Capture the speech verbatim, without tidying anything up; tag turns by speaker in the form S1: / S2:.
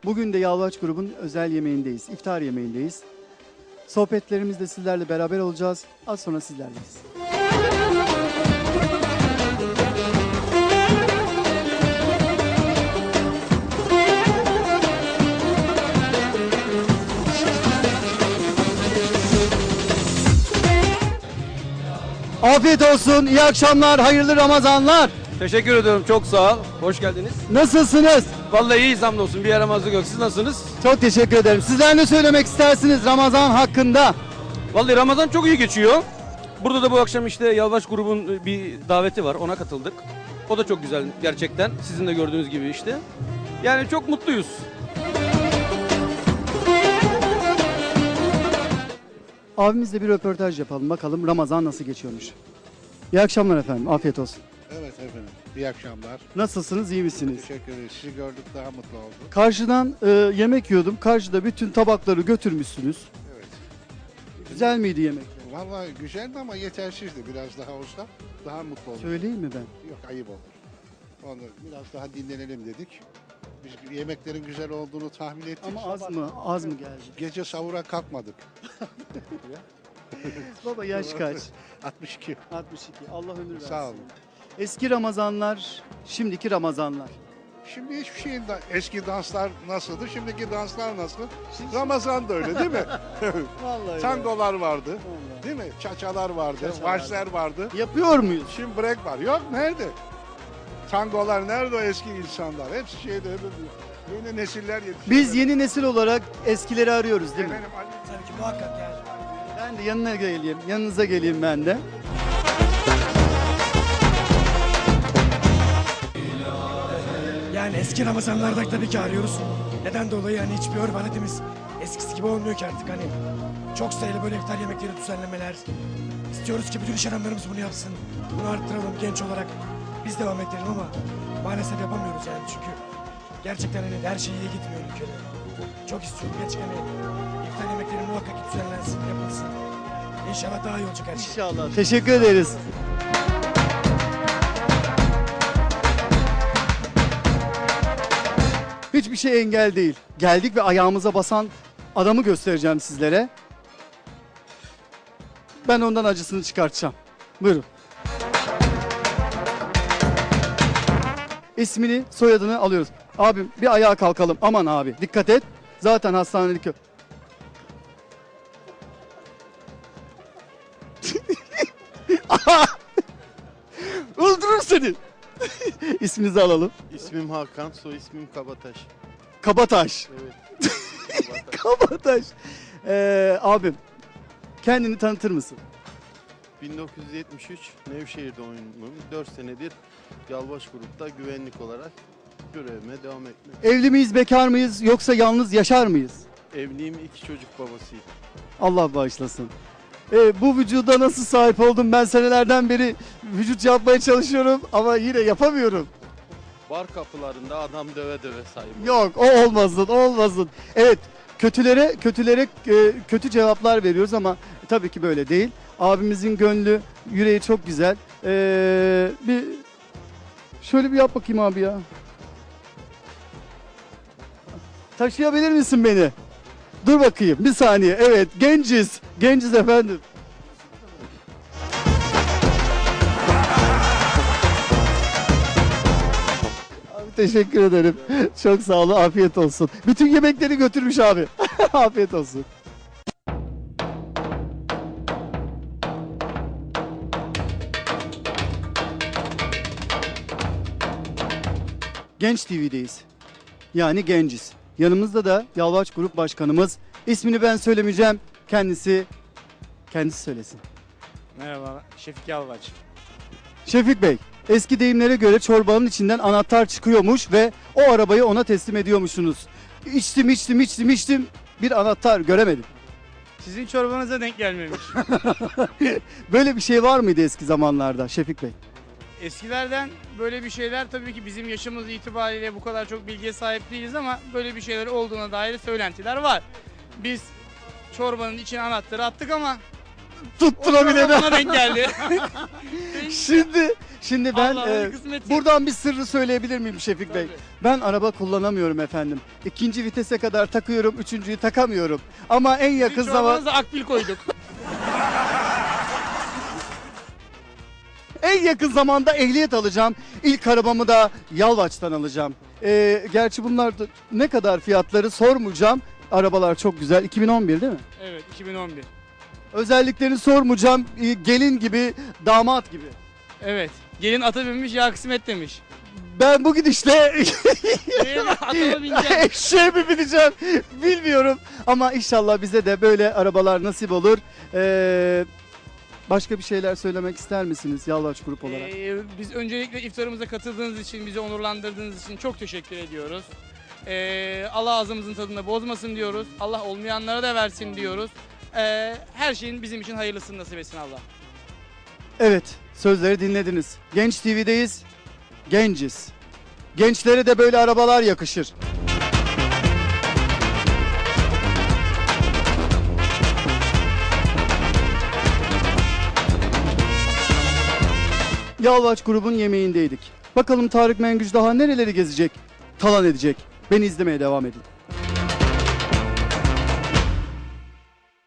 S1: Bugün de Yalvaç grubun özel yemeğindeyiz, iftar yemeğindeyiz. Sohbetlerimizde sizlerle beraber olacağız. Az sonra sizlerleyiz. Afiyet olsun, iyi akşamlar, hayırlı Ramazanlar.
S2: Teşekkür ediyorum. Çok sağ ol. Hoş geldiniz.
S1: Nasılsınız?
S2: Vallahi iyiyiz hamdolsun. Bir yaramazlık yok. Siz nasılsınız?
S1: Çok teşekkür ederim. Sizler ne söylemek istersiniz Ramazan hakkında?
S2: Vallahi Ramazan çok iyi geçiyor. Burada da bu akşam işte Yalvaç grubun bir daveti var. Ona katıldık. O da çok güzel gerçekten. Sizin de gördüğünüz gibi işte. Yani çok mutluyuz.
S1: Abimizle bir röportaj yapalım. Bakalım Ramazan nasıl geçiyormuş. İyi akşamlar efendim. Afiyet olsun.
S3: Evet efendim. İyi akşamlar.
S1: Nasılsınız? İyi misiniz?
S3: Teşekkür ederiz. Sizi gördük daha mutlu olduk.
S1: Karşıdan e, yemek yiyordum. Karşıda bütün tabakları götürmüşsünüz.
S3: Evet.
S1: Güzel miydi yemekler?
S3: Vallahi güzeldi ama yetersizdi. Biraz daha olsa daha mutlu olduk.
S1: Söyleyeyim mi ben?
S3: Yok ayıp olur. Onu biraz daha dinlenelim dedik. Biz yemeklerin güzel olduğunu tahmin ettik.
S1: Ama az mı? Az mı geldi?
S3: Gece sahura kalkmadık.
S1: Baba yaş kaç?
S3: altmış iki.
S1: altmış iki. Allah ömür versin.
S3: Sağ olun.
S1: Eski Ramazanlar, şimdiki Ramazanlar.
S3: Şimdi hiçbir şeyin da eski danslar nasıldı? Şimdiki danslar nasıl? Ramazan da öyle değil mi?
S1: Vallahi.
S3: Tangolar vardı.
S1: Vallahi.
S3: Değil mi? Çaçalar vardı.
S1: Çaçalar.
S3: Varslar vardı.
S1: Yapıyor muyuz?
S3: Şimdi break var. Yok nerede? Tangolar nerede o eski insanlar? Hepsi şeyde öbür yeni nesiller yetişiyor.
S1: Biz yeni nesil olarak eskileri arıyoruz değil mi?
S3: Efendim, Ali-
S4: Tabii ki muhakkak yani.
S1: Ben de yanına geleyim, yanınıza geleyim ben de.
S4: Yani eski Ramazanlarda tabii ki arıyoruz. Neden dolayı hani hiçbir örf adetimiz eskisi gibi olmuyor ki artık hani. Çok sayılı böyle iftar yemekleri düzenlemeler. İstiyoruz ki bütün iş adamlarımız bunu yapsın. Bunu arttıralım genç olarak. Biz devam edelim ama maalesef yapamıyoruz yani çünkü gerçekten hani her şey iyi gitmiyor ülkede. Çok istiyorum gerçekten hani iftar yemekleri muhakkak düzenlensin, yapılsın. İnşallah daha iyi olacak her şey.
S1: İnşallah. Teşekkür ederiz. Hiçbir şey engel değil. Geldik ve ayağımıza basan adamı göstereceğim sizlere. Ben ondan acısını çıkartacağım. Buyurun. İsmini, soyadını alıyoruz. Abim bir ayağa kalkalım. Aman abi dikkat et. Zaten hastanelik yok. Öldürür seni. İsminizi alalım.
S5: İsmim Hakan, soy ismim Kabataş.
S1: Kabataş.
S5: Evet. Kabataş.
S1: Kabataş. Ee, abim kendini tanıtır mısın?
S5: bin dokuz yüz yetmiş üç Nevşehir doğumluyum. dört senedir Yalvaç Grup'ta güvenlik olarak görevime devam etmek.
S1: Evli miyiz, bekar mıyız yoksa yalnız yaşar mıyız?
S5: Evliyim, iki çocuk babasıyım.
S1: Allah bağışlasın. Ee, bu vücuda nasıl sahip oldum? Ben senelerden beri vücut yapmaya çalışıyorum ama yine yapamıyorum.
S5: Bar kapılarında adam döve döve sahip.
S1: Yok, o olmasın, o olmasın. Evet, kötülere kötülere e, kötü cevaplar veriyoruz ama tabii ki böyle değil. Abimizin gönlü, yüreği çok güzel. Ee, bir şöyle bir yap bakayım abi ya. Taşıyabilir misin beni? Dur bakayım, bir saniye. Evet, genciz, genciz efendim. Abi teşekkür ederim. Çok sağ olun, afiyet olsun. Bütün yemekleri götürmüş abi. Afiyet olsun. Genç T V'deyiz. Yani genciz. Yanımızda da Yalvaç Grup Başkanımız. İsmini ben söylemeyeceğim. Kendisi kendisi söylesin.
S6: Merhaba, Şefik Yalvaç.
S1: Şefik Bey, eski deyimlere göre çorbanın içinden anahtar çıkıyormuş ve o arabayı ona teslim ediyormuşsunuz. İçtim, içtim, içtim, içtim. Bir anahtar göremedim.
S6: Sizin çorbanıza denk gelmemiş.
S1: Böyle bir şey var mıydı eski zamanlarda Şefik Bey?
S6: Eskilerden böyle bir şeyler tabii ki bizim yaşımız itibariyle bu kadar çok bilgiye sahip değiliz ama böyle bir şeyler olduğuna dair söylentiler var. Biz çorbanın içine anahtarı attık ama o
S1: Tutturabilene.
S6: çorba bana denk geldi.
S1: Şimdi Şimdi ben
S6: Allah'ın
S1: e,
S6: kısmeti.
S1: buradan bir sırrı söyleyebilir miyim Şefik Bey?
S6: Tabii.
S1: Ben araba kullanamıyorum efendim. İkinci vitese kadar takıyorum, üçüncüyü takamıyorum. Ama en yakın
S6: Bizim
S1: zaman
S6: çorbanıza akbil koyduk.
S1: en yakın zamanda ehliyet alacağım. İlk arabamı da Yalvaç'tan alacağım. E, gerçi bunlar da ne kadar fiyatları sormayacağım. Arabalar çok güzel. iki bin on bir değil mi?
S6: Evet, iki bin on bir.
S1: Özelliklerini sormayacağım. E, gelin gibi, damat gibi.
S6: Evet. Gelin ata binmiş, ya kısmet demiş.
S1: Ben bu gidişle
S6: Gelin ata mı bineceksin?
S1: eşeğe mi bineceğim bilmiyorum. Ama inşallah bize de böyle arabalar nasip olur. Ee, başka bir şeyler söylemek ister misiniz Yalvaç Grup olarak?
S6: Ee, biz öncelikle iftarımıza katıldığınız için, bizi onurlandırdığınız için çok teşekkür ediyoruz. Ee, Allah ağzımızın tadını bozmasın diyoruz. Allah olmayanlara da versin diyoruz. Ee, her şeyin bizim için hayırlısını nasip etsin Allah.
S1: Evet, sözleri dinlediniz. Genç T V'deyiz. Genciz. Gençlere de böyle arabalar yakışır. Yalvaç grubun yemeğindeydik. Bakalım Tarık Mengüç daha nereleri gezecek, talan edecek. Beni izlemeye devam edin.